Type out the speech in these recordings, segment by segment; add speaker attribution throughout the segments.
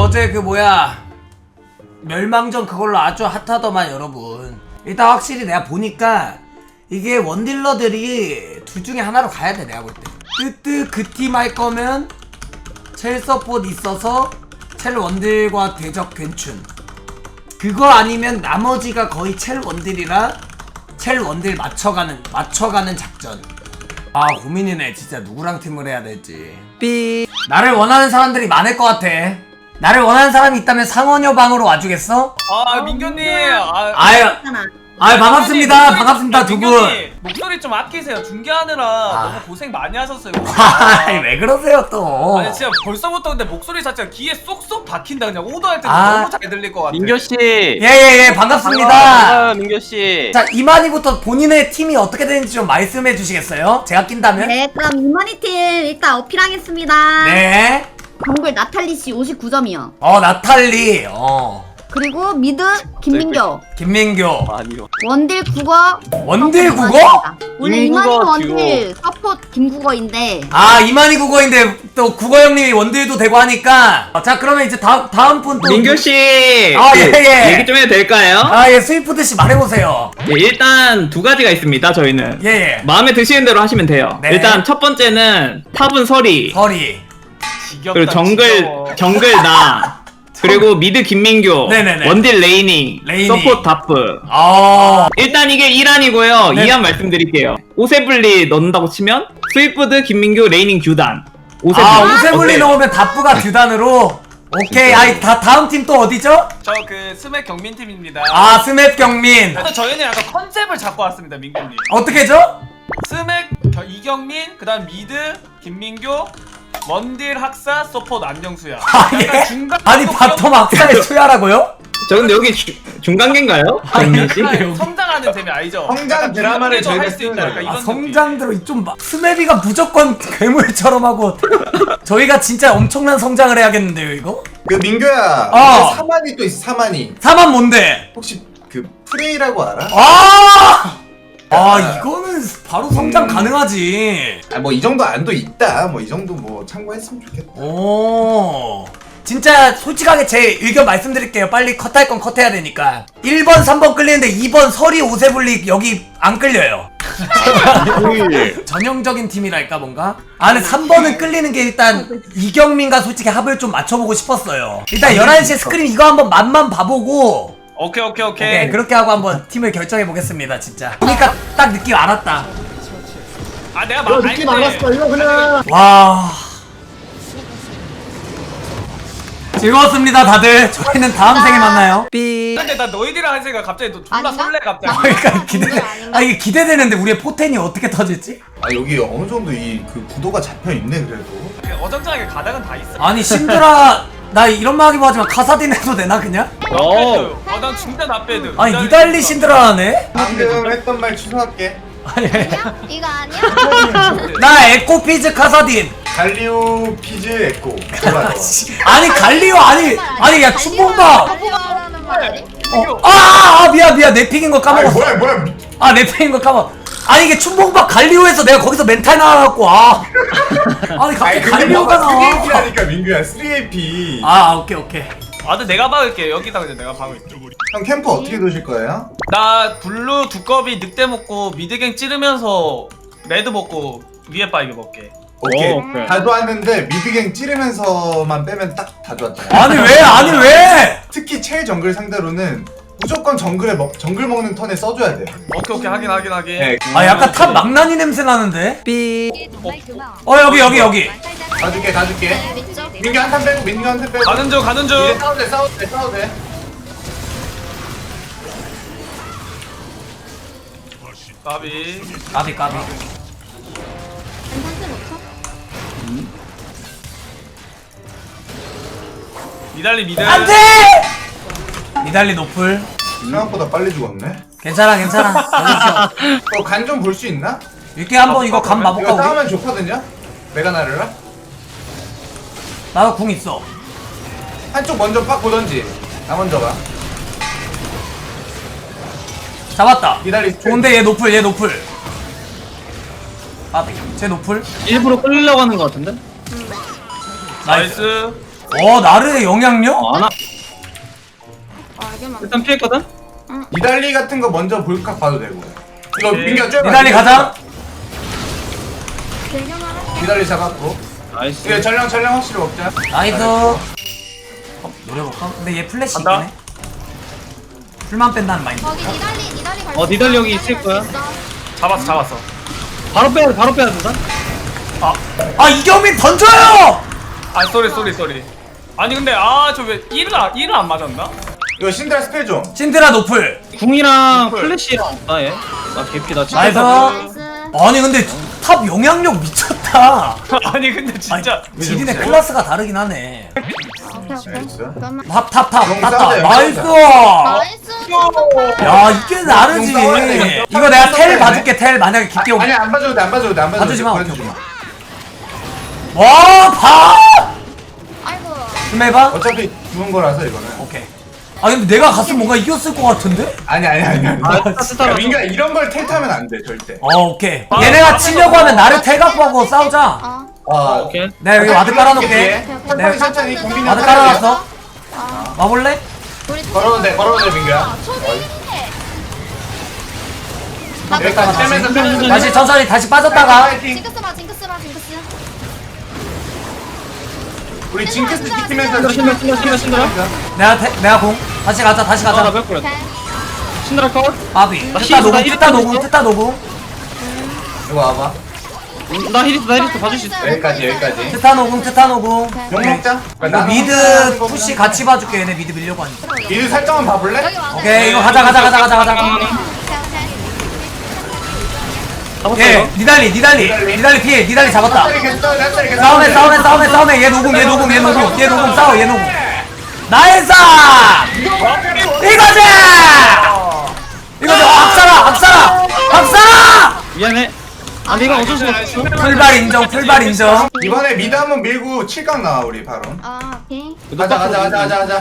Speaker 1: 어제 그 뭐야 멸망전 그걸로 아주 핫하더만 여러분. 일단 확실히 내가 보니까 이게 원딜러들이 둘 중에 하나로 가야 돼 내가 볼 때. 뜨뜨 그 팀 할 거면 첼 서폿 있어서 첼 원딜과 대적 괜춘. 그거 아니면 나머지가 거의 첼 원딜이라 첼 원딜 맞춰가는 작전. 아 고민이네 진짜. 누구랑 팀을 해야 될지. 나를 원하는 사람들이 많을 것 같아. 나를 원하는 사람이 있다면 상원여 방으로 와주겠어?
Speaker 2: 아 민규님
Speaker 1: 아유 반갑습니다. 반갑습니다 두 분.
Speaker 2: 목소리 좀 아끼세요. 중계하느라 너무 고생 많이 하셨어요.
Speaker 1: 아이 왜 그러세요 또.
Speaker 2: 아니 진짜 벌써부터 근데 목소리 자체가 귀에 쏙쏙 박힌다. 그냥 오더할 때도
Speaker 1: 아.
Speaker 2: 너무 잘 들릴 것 같아.
Speaker 3: 민교씨.
Speaker 1: 예예예 반갑습니다.
Speaker 3: 반가워요 민교씨.
Speaker 1: 자 이만희부터 본인의 팀이 어떻게 되는지 좀 말씀해 주시겠어요? 제가 낀다면?
Speaker 4: 네, 그럼 이만희 팀 일단 어필하겠습니다.
Speaker 1: 네.
Speaker 4: 정글 나탈리 씨 59점이요.
Speaker 1: 나탈리.
Speaker 4: 그리고 미드 김민교.
Speaker 1: 김민교.
Speaker 3: 아니요.
Speaker 4: 원딜 국어.
Speaker 1: 원딜 국어?
Speaker 4: 원래
Speaker 3: 김국어
Speaker 4: 이만희 원딜 서폿 김국어인데.
Speaker 1: 아 이만희 국어인데 또 국어 형님이 원딜도 되고 하니까. 자 그러면 이제 다음 분 또.
Speaker 3: 민교씨.
Speaker 1: 아, 예, 예.
Speaker 3: 얘기 좀 해도 될까요?
Speaker 1: 아예 스위프트 씨 말해보세요.
Speaker 3: 예, 일단 두 가지가 있습니다 저희는.
Speaker 1: 예예.
Speaker 3: 마음에 드시는 대로 하시면 돼요.
Speaker 1: 네.
Speaker 3: 일단 첫 번째는 탑은 서리.
Speaker 1: 서리.
Speaker 2: 지겹다,
Speaker 3: 그리고
Speaker 2: 지겨워.
Speaker 3: 정글 나. 그리고 미드 김민교.
Speaker 1: 네네네.
Speaker 3: 원딜 레이닝.
Speaker 1: 레이닝.
Speaker 3: 서포트 다프.
Speaker 1: 아.
Speaker 3: 일단 이게 1안이고요.
Speaker 1: 네.
Speaker 3: 2안 말씀드릴게요. 오세블리 넣는다고 치면 스위프드, 김민규, 레이닝, 규단. 오세블리.
Speaker 1: 오세블리
Speaker 3: 어때요?
Speaker 1: 넣으면 다프가 듀단으로. 오케이. 아이 다음 팀 또 어디죠?
Speaker 2: 저 그 스맥 경민 팀입니다.
Speaker 1: 아 스맵 경민.
Speaker 2: 그래서 저희는 약간 컨셉을 잡고 왔습니다 민규님.
Speaker 1: 어떻게죠?
Speaker 2: 스맥 이경민, 그다음 미드 김민규, 원딜 학사, 서폿 안정수야.
Speaker 1: 아, 예?
Speaker 2: 약간 중간
Speaker 1: 아니 바텀 악사에 투야라고요?
Speaker 3: 저 근데 여기 중간계인가요? 정민씨?
Speaker 2: 약간 성장하는 재미 알죠?
Speaker 5: 성장
Speaker 2: 약간
Speaker 5: 드라마를
Speaker 2: 중간에도
Speaker 5: 저희가
Speaker 2: 할수 있다.
Speaker 5: 쓰는
Speaker 2: 약간
Speaker 5: 거예요.
Speaker 2: 이런
Speaker 1: 성장들어 좀 스맵이가 무조건 괴물처럼 하고 저희가 진짜 엄청난 성장을 해야겠는데요 이거?
Speaker 5: 그 민규야
Speaker 1: 어.
Speaker 5: 사만이 또 있어. 사만이
Speaker 1: 사만 뭔데?
Speaker 5: 혹시 그 프레이라고 알아?
Speaker 1: 이거는 바로 성장 가능하지.
Speaker 5: 뭐 이 정도 안도 있다. 뭐 이 정도 뭐 참고했으면 좋겠다.
Speaker 1: 오 진짜 솔직하게 제 의견 말씀드릴게요. 빨리 컷할 건 컷해야 되니까 1번 3번 끌리는데 2번 서리 오세블리 여기 안 끌려요. 전형적인 팀이랄까 뭔가? 아 근데 3번은 끌리는 게 일단 이경민과 솔직히 합을 좀 맞춰보고 싶었어요. 일단 11시에 스크림 이거 한번 맛만 봐보고
Speaker 2: 오케이.
Speaker 1: 그렇게 하고 한번 팀을 결정해보겠습니다 진짜. 그러니까 딱 느낌 알았다.
Speaker 2: 아 내가 막
Speaker 6: 느낌 알았어 이거 그냥.
Speaker 1: 와 즐거웠습니다 다들. 저희는 다음 생에 만나요.
Speaker 2: 근데 나 너희들이랑 한 생각 갑자기 또 존나
Speaker 4: 아닌가?
Speaker 2: 설레 갑자기.
Speaker 1: 그러니까
Speaker 4: 아닌가?
Speaker 1: 이게 기대되는데 우리의 포텐이 어떻게 터질지?
Speaker 5: 아 여기 어느 정도 이 그 구도가 잡혀 있네 그래도.
Speaker 2: 그냥 어정쩡하게 가닥은 다 있어.
Speaker 1: 아니 신드라 나 이런 말 하기 뭐하지만 카사딘 해도 되나 그냥?
Speaker 2: 난 중대 나빼드.
Speaker 1: 아니 니달리 신드라네?
Speaker 5: 방금 했던 말 취소할게.
Speaker 1: 아니
Speaker 4: 이거 아니야?
Speaker 1: 나 에코피즈 카사딘.
Speaker 5: 갈리오 피즈 에코. 좋아.
Speaker 1: 아니 갈리오 아니 야 춘봉박.
Speaker 4: 하는 말이?
Speaker 1: 미안 내 픽인 거
Speaker 5: 아
Speaker 1: 까먹었어.
Speaker 5: 뭐야.
Speaker 1: 내 픽인 거 까먹. 아니 이게 춘봉박 갈리오에서 내가 거기서 멘탈 나와갖고 아니 갑자기 갈리오가 나와.
Speaker 5: 3AP라니까 민규야 3AP.
Speaker 1: 오케이.
Speaker 2: 근데 내가 박을게. 여기다 그냥 내가 박을게.
Speaker 5: 형 캠프 어떻게 도실 거예요?
Speaker 2: 나 블루 두꺼비 늑대 먹고 미드갱 찌르면서 레드 먹고 위에 빠이게 먹게.
Speaker 5: 오케이.
Speaker 3: 오케이.
Speaker 5: 다 좋았는데 미드갱 찌르면서만 빼면 딱 다 좋았다.
Speaker 1: 아니 왜?
Speaker 5: 특히 첼 정글 상대로는 무조건 정글 먹는 턴에 써줘야 돼.
Speaker 2: 오케이 하긴.
Speaker 5: 네.
Speaker 1: 약간 탑 망나니 냄새 나는데? 여기.
Speaker 5: 가줄게. 민규 한 탄 빼고 민규 한 탄 빼고.
Speaker 2: 가는 중.
Speaker 5: 이제 싸워도 돼.
Speaker 2: 까비.
Speaker 1: 까비.
Speaker 2: 니달리 미드.
Speaker 1: 안돼! 니달리 노플.
Speaker 5: 생각보다 빨리 죽었네.
Speaker 1: 괜찮아. 여기서
Speaker 5: 간 좀 볼 수 있나?
Speaker 1: 이렇게 한번 이거 감
Speaker 5: 이거
Speaker 1: 봐볼까 우리?
Speaker 5: 싸우면 좋거든요. 메가나르라
Speaker 1: 나도 궁 있어.
Speaker 5: 한쪽 먼저 빡 보던지. 나 먼저 가.
Speaker 1: 잡았다.
Speaker 5: 기다리.
Speaker 1: 좋은데 얘 노플. 쟤 노플.
Speaker 3: 일부러 끌려고 하는 것 같은데?
Speaker 2: 나이스.
Speaker 1: 나르의 영향력?
Speaker 3: 아나
Speaker 4: 알게만.
Speaker 3: 일단 피했거든?
Speaker 5: 니달리 같은 거 먼저 볼각 봐도 되고. 이거
Speaker 2: 오케이.
Speaker 5: 민규야 쭉.
Speaker 1: 니달리 가자.
Speaker 5: 니달리 잡았고.
Speaker 3: 나이스
Speaker 5: 이거 전령 확실히 먹자.
Speaker 1: 나이스. 노려볼까? 근데 얘 플래시 있긴
Speaker 2: 간다.
Speaker 1: 해. 풀만 뺀다는 마인드.
Speaker 4: 거기 니달리 갈
Speaker 3: 니달리 여기 있을 거야.
Speaker 2: 잡았어.
Speaker 3: 바로 빼야 된다?
Speaker 1: 아 이경민 던져요!
Speaker 2: 아 쏘리. 아니 근데 저 왜 1을 안 맞았나?
Speaker 5: 이거 신드라 스펠 좀.
Speaker 1: 신드라 노플.
Speaker 3: 궁이랑 플래시랑 없다 얘. 나 개피 나 진짜
Speaker 1: 나이스.
Speaker 4: 나이스.
Speaker 1: 아니 근데 탑 영향력 미쳤다.
Speaker 2: 아니 근데 진짜
Speaker 1: 지린의 클래스가 다르긴 하네.
Speaker 4: 오케이.
Speaker 5: 나이스.
Speaker 4: 그러면
Speaker 1: 탑
Speaker 5: 용
Speaker 1: 땄다.
Speaker 5: 싸우자, 용
Speaker 1: 나이스.
Speaker 4: 나이스.
Speaker 1: 야 이게 나르지.
Speaker 5: 용 싸워야 돼, 용
Speaker 1: 이거 내가
Speaker 5: 싸워야
Speaker 1: 텔
Speaker 5: 돼.
Speaker 1: 봐줄게. 텔 만약에 깊게 오면.
Speaker 5: 아니 안 봐줘도 돼.
Speaker 1: 봐주지 마.
Speaker 5: 보여주지 마.
Speaker 1: 와 봐.
Speaker 4: 아이고.
Speaker 1: 좀 해봐.
Speaker 5: 어차피 죽은 거라서 이거는.
Speaker 1: 오케이. 아 근데 내가 갔으면 뭔가 이겼을 것 같은데?
Speaker 5: 아니.
Speaker 3: 스타라
Speaker 5: 야, 민규야 이런 걸 텔타면 안 돼 절대.
Speaker 1: 오케이. 얘네가 치려고 하면 나를 텔각보고 싸우자.
Speaker 5: 아
Speaker 3: 오케이
Speaker 1: 내가 여기 와드 깔아놓을게.
Speaker 5: 천천히 공빈이
Speaker 1: 와드 깔아놨어. 와볼래?
Speaker 5: 걸어도 돼 민규야. 여기까지 떼면서
Speaker 1: 다시 천천히 다시 빠졌다가.
Speaker 4: 징크스 봐.
Speaker 5: 우리 징크스 지키면서
Speaker 1: 내가 공. 다시 가자.
Speaker 3: 아나 뺄 거야 신드라 컷
Speaker 1: 아비.
Speaker 3: 나
Speaker 1: 뜨따
Speaker 3: 힐
Speaker 1: 녹음.
Speaker 5: 이거 와봐.
Speaker 3: 나 히리스 봐줄 수 있어
Speaker 5: 여기까지.
Speaker 1: 트타 녹음.
Speaker 5: 용 먹자.
Speaker 1: 이거 미드 푸시 같이 봐줄게. 얘네 미드 밀려고 하니까.
Speaker 5: 미드 살짝만 봐볼래?
Speaker 4: 여기 와서.
Speaker 1: 오케이 이거 가자.
Speaker 4: 오케이.
Speaker 1: 예, 니달리 피해. 니달리 잡았다. 싸움해. 얘 녹음. 싸워. 나이스! 이거지! 악사라!
Speaker 3: 미안해 아니 이건 어쩔 수가 없어
Speaker 1: 풀발 인정.
Speaker 5: 이번에 미드 한번 밀고 7강 나와 우리 바로.
Speaker 4: 오케이.
Speaker 5: 가자.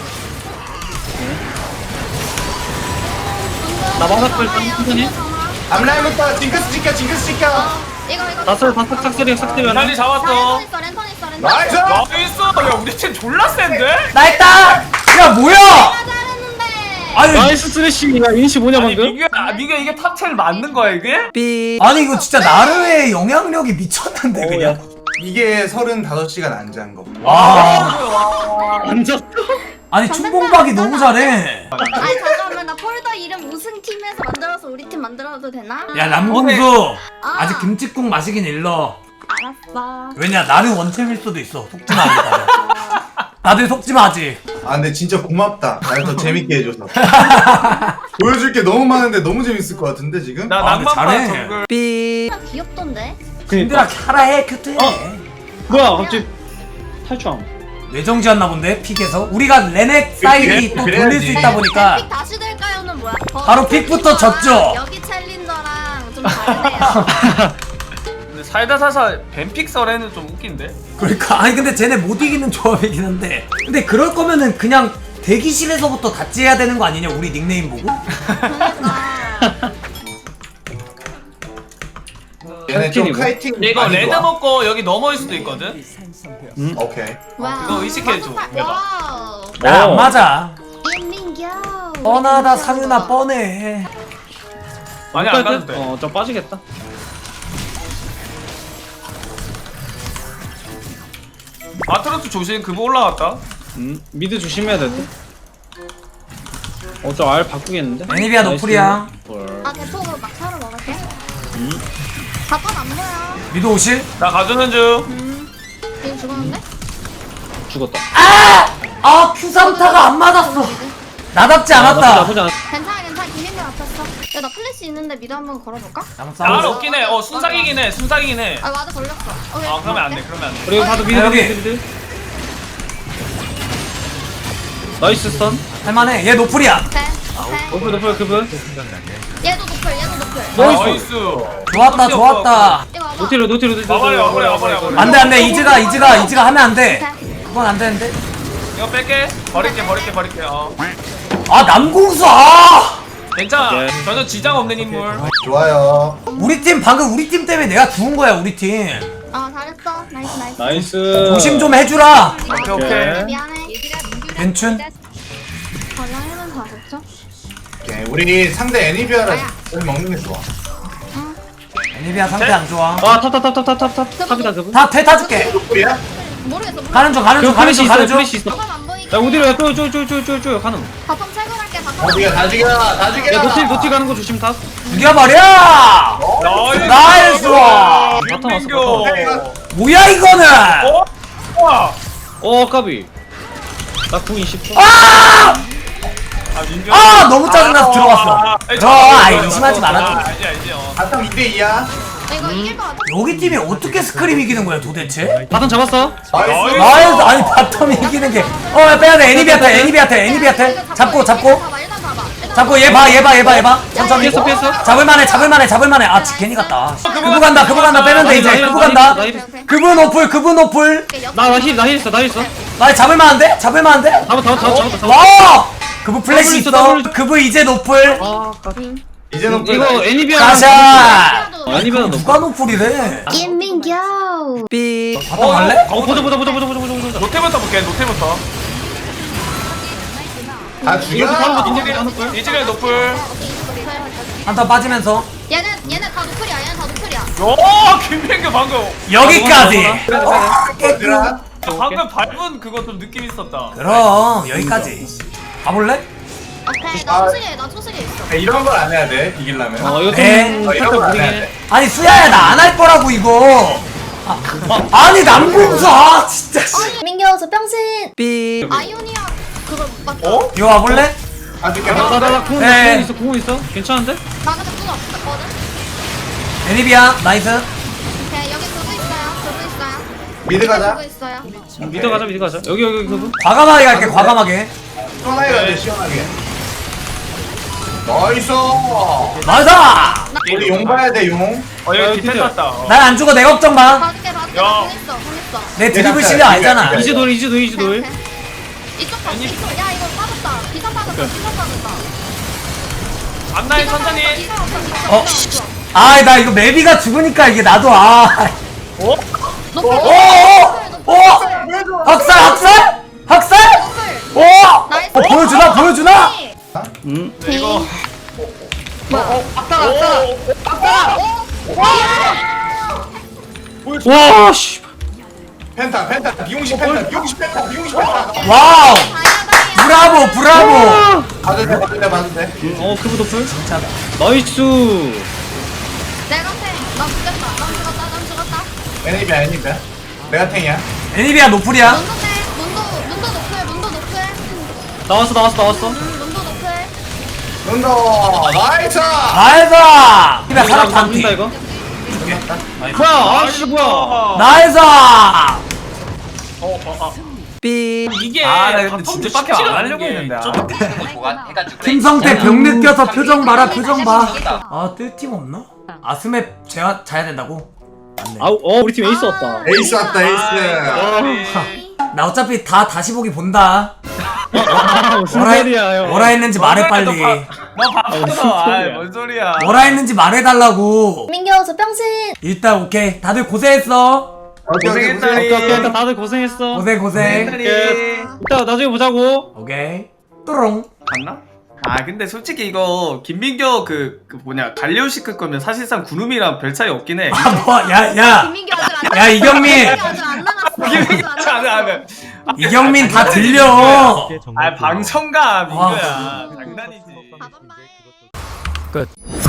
Speaker 3: 나 맞았고 일단 천천히
Speaker 5: 앞라인부터 징크스 지켜.
Speaker 4: 이거.
Speaker 3: 다슬 싹쓸이
Speaker 2: 달리 잡았어.
Speaker 4: 렌턴 있어.
Speaker 5: 나이스.
Speaker 2: 나이스. 야 우리 팀 졸라 센데?
Speaker 1: 나 했다! 야, 뭐야!
Speaker 4: 잘했는데.
Speaker 1: 아니,
Speaker 3: 나이스 쓰레쉬 야 인시 뭐냐
Speaker 2: 아니
Speaker 3: 방금?
Speaker 2: 민규야 이게 탑10 맞는 거야 이게?
Speaker 1: 아니, 이거 진짜 나르의 영향력이 미쳤는데, 그냥.
Speaker 5: 이게 35시간 안 잔 거.
Speaker 1: 와.
Speaker 3: 앉았어?
Speaker 1: 아니, 춘봉박이 너무 잘해.
Speaker 4: 아니 잠깐만 나 폴더 이름 우승 팀에서 만들어서 우리 팀 만들어도 되나?
Speaker 1: 야, 남궁수. 아직 김치국 마시긴 일러.
Speaker 4: 알았어.
Speaker 1: 왜냐, 나는 원챔일 수도 있어. 속지마, 하니까. 나도 속지마 하지.
Speaker 5: 아 근데 진짜 고맙다. 날 더 재밌게 해줘서. 보여줄 게 너무 많은데 너무 재밌을 것 같은데 지금?
Speaker 2: 나
Speaker 1: 아, 근데
Speaker 2: 낭만파
Speaker 1: 잘해.
Speaker 2: 정글.
Speaker 4: 귀엽던데?
Speaker 1: 힘들아, 카라해, 큐트해.
Speaker 3: 뭐야 갑자기 탈주함
Speaker 1: 뇌정지였나 본데, 픽에서. 우리가 레넥 사이드 또 돌릴 수 있다 보니까.
Speaker 4: 픽 다시 될까요는 뭐야?
Speaker 1: 바로 픽부터 졌죠?
Speaker 4: 여기 챌린저랑 좀 다르네요.
Speaker 2: 근데 살다사사 뱀픽설에는 좀 웃긴데?
Speaker 1: 그러니까 아니 근데 쟤네 못 이기는 조합이긴 한데 근데 그럴 거면은 그냥 대기실에서부터 같이 해야 되는 거 아니냐 우리 닉네임 보고?
Speaker 4: 그러니까.
Speaker 5: 얘네 좀 카이팅.
Speaker 2: 이거
Speaker 5: 많이
Speaker 2: 레드
Speaker 5: 좋아.
Speaker 2: 먹고 여기 넘어올 수도 있거든?
Speaker 5: 오케이.
Speaker 4: 와우.
Speaker 2: 그거 의식해줘, 해봐.
Speaker 4: 와우.
Speaker 1: 나 안 맞아
Speaker 4: 인민교.
Speaker 1: 뻔하다 상윤아 뻔해
Speaker 2: 많이 안 가도 돼.
Speaker 3: 어좀 빠지겠다
Speaker 2: 아트로스 조심 그거 올라갔다.
Speaker 3: 미드 조심해야 될듯 저 알 바꾸겠는데?
Speaker 1: 애니비아 노플이야.
Speaker 4: 아 대포로 막차로 먹을게. 바텀 안 보여.
Speaker 1: 미드 오실?
Speaker 2: 나 가주는 중.
Speaker 4: 지금 죽었는데?
Speaker 3: 죽었다
Speaker 1: 아 큐삼타가 안 맞았어 나답지 않았다
Speaker 3: 나쁘지 않았다
Speaker 4: 괜찮아. 김민규 맞췄어. 야나 플래시 있는데 미드 한번 걸어볼까?
Speaker 1: 한번
Speaker 2: 알
Speaker 1: 싸워줘
Speaker 2: 없긴 해. 순삭이긴 해.
Speaker 4: 아 와드 걸렸어.
Speaker 2: 그러면 안 돼.
Speaker 3: 그리고 봐도 미드
Speaker 1: 여기.
Speaker 3: 미드 나이스 스턴
Speaker 1: 할만해 얘 노플이야
Speaker 3: 노플 그분
Speaker 4: 얘도 노플.
Speaker 2: 나이스.
Speaker 1: 좋았다
Speaker 4: 이거 와봐.
Speaker 3: 노티로
Speaker 2: 와버려.
Speaker 1: 안돼 이즈가 하면 안돼 그건 안 되는데
Speaker 2: 이거 뺄게. 버릴게.
Speaker 1: 아 남궁수 아
Speaker 2: 괜찮아.
Speaker 3: 오케이.
Speaker 2: 전혀 지장 없는 인물.
Speaker 5: 좋아요.
Speaker 1: 우리 팀 방금 우리 팀 때문에 내가 죽은 거야 우리 팀
Speaker 4: 아 잘했어. 나이스.
Speaker 3: 나이스.
Speaker 1: 조심 좀 해주라.
Speaker 2: 오케이 오케이.
Speaker 4: 미안해.
Speaker 1: 괜춘.
Speaker 4: 라인은 다 됐죠?
Speaker 5: 오케이, 우리 상대 애니비아를 먹는 게 좋아.
Speaker 1: 애니비아 상태 안 좋아.
Speaker 3: 탑이다 그분.
Speaker 1: 다 퇴타줄게.
Speaker 5: 우리야?
Speaker 4: 모르겠어.
Speaker 1: 가는 중 가는 중 가는 중 가는 중.
Speaker 3: 플래시 있어.
Speaker 4: 바텀 안 보이게.
Speaker 3: 야 어디로 야 쪼 가는.
Speaker 4: 바텀 채굴할게.
Speaker 5: 다
Speaker 4: 바텀.
Speaker 5: 죽여, 다 죽여, 다 죽여.
Speaker 3: 야 노티 가는 거 조심 탑.
Speaker 1: 죽여버려. 나이스.
Speaker 2: 김민교.
Speaker 1: 뭐야 이거는.
Speaker 3: 까비. 나궁 20초.
Speaker 1: 아!
Speaker 2: 아 민규.
Speaker 1: 아 너무 짜증나서 들어갔어. 아이 의심하지 말아줘.
Speaker 2: 야 이제
Speaker 5: 바텀 2대2야.
Speaker 4: 이거 이길 것 같아.
Speaker 1: 여기 팀이 어떻게 스크림 이기는 거야 도대체?
Speaker 3: 바텀 잡았어.
Speaker 5: 나이스.
Speaker 1: 나이스. 아니 바텀이 이기는 게. 빼야돼. 애니비한테. 잡고. 잡고 얘 봐. 천천히.
Speaker 3: 피했어.
Speaker 1: 잡을만해. 아 괜히 갔다. 그부 간다. 빼면 돼 이제. 그부 간다. 그분 오플.
Speaker 3: 나힐 있어.
Speaker 1: 나 잡을만한데?
Speaker 3: 잡았다.
Speaker 1: 와! 그부 플래시
Speaker 3: 있어,
Speaker 1: 있어.
Speaker 3: 더블 있어.
Speaker 1: 그부 이제 노플.
Speaker 3: 까비.
Speaker 5: 이제는
Speaker 3: 이거 애니비아.
Speaker 1: 가샤.
Speaker 3: 애니비아 너.
Speaker 1: 누가 노플이래?
Speaker 4: 김민규.
Speaker 1: 바텀 갈래?
Speaker 3: 보자.
Speaker 2: 노태부터 볼게 노태부터.
Speaker 5: 다 죽여.
Speaker 2: 이즈리얼 노플.
Speaker 1: 한타 빠지면서
Speaker 4: 얘네 다 노플이야.
Speaker 2: 오 김민규 방금.
Speaker 1: 여기까지.
Speaker 5: 얘들아.
Speaker 2: 방금 밟은 그거 좀 느낌 있었다.
Speaker 1: 그럼 여기까지. 가볼래?
Speaker 4: 오케이. 나 초승에 있어.
Speaker 5: 이런 걸 안 해야 돼, 이기려면.
Speaker 3: 이거
Speaker 1: 네.
Speaker 3: 좀
Speaker 5: 이런
Speaker 3: 살짝
Speaker 5: 걸 안
Speaker 3: 무리긴
Speaker 5: 해야
Speaker 3: 해.
Speaker 5: 돼.
Speaker 1: 아니 수야야 나 안 할 거라고 이거. 아니 남궁수 진짜.
Speaker 4: 민규 저 병신. 아이오니아 그거 맞죠?
Speaker 1: 이거 와볼래?
Speaker 5: 다 죽여.
Speaker 3: 나궁
Speaker 1: 네.
Speaker 3: 있어. 괜찮은데?
Speaker 4: 나 근데 그거 없었거든.
Speaker 1: 애니비아 나이스.
Speaker 4: 오케이 여기 그거 있어요.
Speaker 5: 미드 가자.
Speaker 4: 그거 있어요.
Speaker 3: 미드 가자. 여기 그분.
Speaker 1: 과감하게 갈게 과감하게.
Speaker 5: 시원하게 가자, 시원하게. 나이스.
Speaker 1: 나이스.
Speaker 5: 우리 용 봐야 돼, 용.
Speaker 2: 여기 디펜 땄다.
Speaker 1: 난 안 죽어 내 걱정 마.
Speaker 4: 봐줄게.
Speaker 2: 야.
Speaker 4: 돈 있어.
Speaker 1: 내 드리블 실력 알잖아.
Speaker 3: 이제 돌.
Speaker 4: 이쪽 봐. 이쪽. 야 이거 빠졌다. 비상 빠졌다.
Speaker 2: 앞라인 천천히.
Speaker 1: 어? 아 나 이거 메비가 죽으니까 이게 나도 아.
Speaker 2: 어?
Speaker 1: 오! 학살? 오! 보여주나?
Speaker 2: 이거.
Speaker 3: 와 씨.
Speaker 5: 펜타, 비용식 펜타.
Speaker 1: 와우! 브라보!
Speaker 5: 봐도 돼.
Speaker 3: 그분 도플. 나이스.
Speaker 4: 나 죽었다.
Speaker 5: 애니비야. 내가 탱이야.
Speaker 1: 애니비아 노플이야.
Speaker 4: 문도 높을.
Speaker 3: 나왔어.
Speaker 4: 문도 높을.
Speaker 5: 눈더 나이스.
Speaker 1: 나이스! 애니비아 사람 반피.
Speaker 3: 이거. 뭐야? 아씨 뭐야?
Speaker 1: 나이스!
Speaker 2: 이게
Speaker 1: 아, 나 근데
Speaker 2: 바텀도
Speaker 1: 진짜 빡게 안
Speaker 2: 쉽지가
Speaker 1: 하려고
Speaker 2: 않은 게
Speaker 1: 했는데, 아.
Speaker 2: 좀
Speaker 1: 김성태 병 느껴서 표정 봐라. 아, 뜰 팀 없나? 아스맵 자야 된다고? 맞네.
Speaker 3: 우리 팀 에이스 왔다.
Speaker 5: 에이스 왔다, 에이스.
Speaker 1: 나 어차피 다 다시 보기 본다.
Speaker 3: 무슨 소리야 형?
Speaker 1: 뭐라 했는지 말해 빨리.
Speaker 2: 너 바꿔서. 아뭔 소리야.
Speaker 1: 뭐라 했는지 말해달라고.
Speaker 4: 민규 저 병신.
Speaker 1: 일단 오케이. 다들 고생했어.
Speaker 3: 오케이, 일단 다들 고생했어.
Speaker 1: 고생.
Speaker 3: 이따 나중에 보자고.
Speaker 1: 오케이. 또롱.
Speaker 2: 봤나? 아 근데 솔직히 이거 김민교 그 뭐냐 갈리오시크 거면 사실상 구름이랑 별 차이 없긴 해.
Speaker 1: 아, 뭐, 야.
Speaker 4: 김민규 아직 안
Speaker 1: 야, 이경민.
Speaker 4: 아직 안 나갔어.
Speaker 1: 이경민 다 들려.
Speaker 2: 아 방청가 민규야
Speaker 1: 와.
Speaker 2: 장난이지.
Speaker 4: 봐봐.
Speaker 1: 끝.